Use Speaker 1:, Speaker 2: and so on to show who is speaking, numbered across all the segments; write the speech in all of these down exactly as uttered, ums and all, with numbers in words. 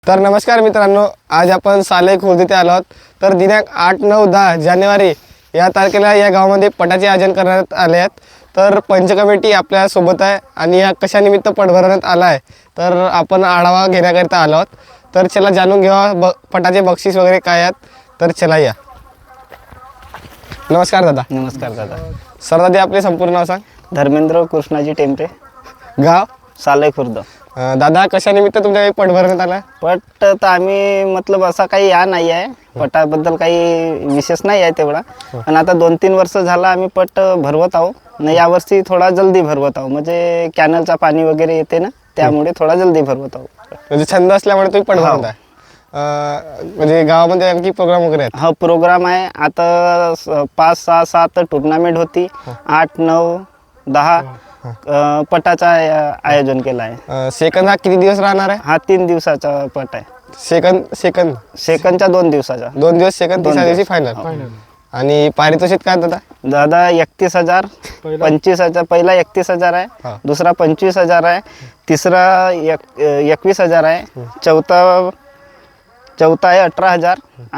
Speaker 1: तर नमस्कार मित्रांनो, आज आपण साले खुर्द येथे आलो आहोत। तर दिनांक आठ नऊ दहा जानेवारी या तारखेला या गावामध्ये पटाचे आयोजन करण्यात आले आहेत। तर पंच कमिटी आपल्या सोबत आहे आणि या कशा निमित्त पट भरवण्यात आला आहे तर आपण आढावा घेण्याकरिता आलो आहोत। तर चला जाणून घेऊया ब पटाचे बक्षीस वगैरे काय आहेत। तर चला या। नमस्कार दादा।
Speaker 2: नमस्कार दादा।
Speaker 1: सर दादा आपले संपूर्ण नाव सांग।
Speaker 2: धर्मेंद्र कृष्णाजी टेंपरे,
Speaker 1: गाव
Speaker 2: साले खुर्द।
Speaker 1: अं, दादा कशा निमित्त तुमच्या काही पट भरवण्यात आला आहे?
Speaker 2: पट तर आम्ही मतलब असा काही या नाही आहे, पटाबद्दल काही विशेष नाही आहे तेवढा, पण आता दोन तीन वर्ष झाला आम्ही पट भरवत आहो ना। यावर्षी थोडा जल्दी भरवत आहो, म्हणजे कॅनलचा पाणी वगैरे येते ना, त्यामुळे थोडा जल्दी भरवत आहो।
Speaker 1: म्हणजे छंद असल्यामुळे तुम्ही पट भरवत आहे। अं, म्हणजे गावामध्ये आणखी प्रोग्राम वगैरे आहेत?
Speaker 2: हा प्रोग्राम आहे आता, स- पाच सहा सात टुर्नामेंट होती, आठ नऊ दहा अ, पटाचा आय- आयोजन केलं आहे।
Speaker 1: अं, सेकंद हा किती दिवस राहणार आहे?
Speaker 2: हा तीन दिवसाचा पट आहे।
Speaker 1: सेकंद सेकंद
Speaker 2: सेकंडचा दोन दिवसाचा।
Speaker 1: दोन दिवस सेकंद, तिसऱ्या दिवशी फायनल। आणि पारितोषिक काय दादा?
Speaker 2: दादा एकतीस हजार, पंचवीस हजार, पहिला एकतीस हजार
Speaker 1: हा.
Speaker 2: आहे, दुसरा पंचवीस हजार आहे, तिसरा एक एकवीस हजार आहे, चौथा चौथा आहे अठरा हजार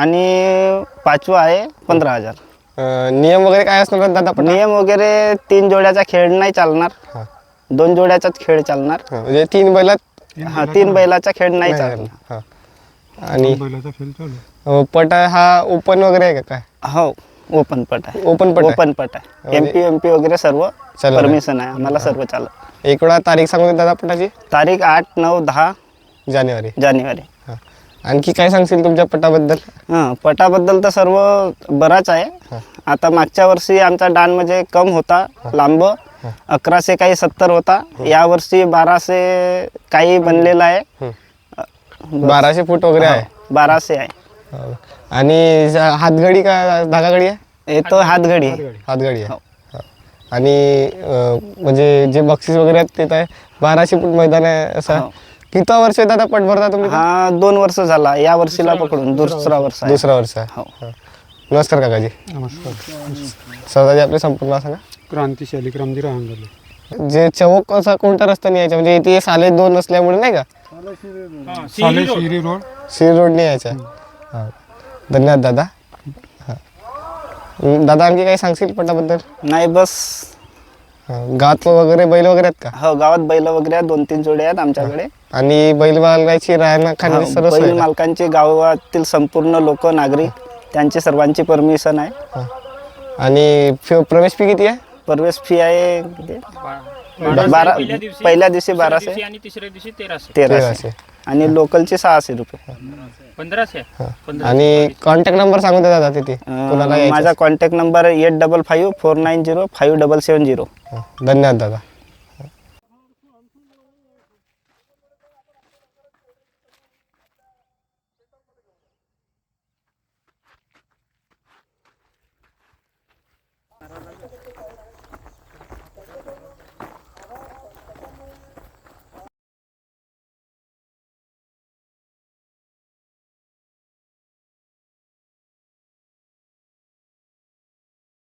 Speaker 2: आणि पाचवा आहे पंधरा हजार।
Speaker 1: अं, नियम वगैरे काय असणार दादा पटा?
Speaker 2: नियम वगैरे तीन जोड्याचा खेळ नाही चालणार,
Speaker 1: हा.
Speaker 2: दोन जोड्याचाच खेळ चालणार।
Speaker 1: हा, म्हणजे तीन बैलात
Speaker 2: हा, तीन बैलाचा खेळ नाही चालणार।
Speaker 1: हा. आणि अं, पट हा ओपन वगैरे आहे का काय?
Speaker 2: हो, ओपन पट आहे।
Speaker 1: ओपन पट आहे?
Speaker 2: ओपन पट आहे, एमपी एमपी वगैरे सर्व
Speaker 1: चालू आहे.
Speaker 2: परमिशन आहे आम्हाला, सर्व चालत।
Speaker 1: एक वेळा तारीख सांगू दे दादा पटाची?
Speaker 2: तारीख आठ नऊ दहा
Speaker 1: जानेवारी।
Speaker 2: जानेवारी।
Speaker 1: हा. आणखी काय सांगशील तुमच्या पटाबद्दल?
Speaker 2: हां, पटाबद्दल तर सर्व बराच आहे। आता मागच्या वर्षी आमचा डान म्हणजे कम होता, लांब अकराशे काही सत्तर होता, या वर्षी बाराशे काही बनलेला आहे,
Speaker 1: बाराशे फूट वगैरे आहे?
Speaker 2: बाराशे आहे।
Speaker 1: हो. आणि ज- हातगडी का धागागडी आहे?
Speaker 2: येतो हातघडी आहे।
Speaker 1: हातगडी आहे। हा. आणि अं, म्हणजे जे बक्षीस वगैरे आहेत ते काय बाराशे फूट मैदान आहे असं?
Speaker 2: हो.
Speaker 1: किती वर्ष आहे दादा पट भरता तुम्ही?
Speaker 2: हा दोन वर्ष झाला, या वर्षीला पकडून दुसरा वर्ष आहे।
Speaker 1: दुसरा वर्ष आहे।
Speaker 2: हो।
Speaker 1: हा. नमस्कार काकाजी।
Speaker 3: नमस्कार।
Speaker 1: सरदाजी आपले संपूर्ण नाव सांगा।
Speaker 3: क्रांती शालिक रामजी राहंगले।
Speaker 1: जे चौक असा कोणत्या रस्त्याने यायचा, म्हणजे इथे साले दोन असल्यामुळे नाही का
Speaker 3: साले शिरी रोड।
Speaker 1: श्री रोडने यायचा? हा. धन्यवाद दादा। हा. अं, दादा आणखी काही सांगशील पटाबद्दल?
Speaker 2: नाही बस।
Speaker 1: हा. गावात वगैरे बैल वगैरे आहेत का?
Speaker 2: हो, गावात बैल वगैरे आहेत, दोन तीन जोडे आहेत आमच्याकडे।
Speaker 1: आणि बैल बाळगायची राहणं
Speaker 2: हो,
Speaker 1: खाण्याची सर्व सोय
Speaker 2: बैल
Speaker 1: आहे का?
Speaker 2: मालकांची, गावातील संपूर्ण लोक नागरिक त्यांची सर्वांची परमिशन आहे।
Speaker 1: हा. आणि फी- प्रवेश फी किती आहे?
Speaker 2: प्रवेश फी आहे किती? बारा, पहिल्या दिवशी बाराशे
Speaker 4: आणि तिसऱ्या दिवशी तेराशे
Speaker 2: तेराशे
Speaker 1: तेराशे.
Speaker 2: आणि लोकलचे सहाशे रुपये।
Speaker 4: पंधराशे
Speaker 1: हा. आणि कॉन्टॅक्ट नंबर सांगू दे दादा तिथे कोणाला
Speaker 2: अं,
Speaker 1: यायचं
Speaker 2: माझा contact number eight double five four nine zero five double seven zero.
Speaker 1: हा. धन्यवाद दादा।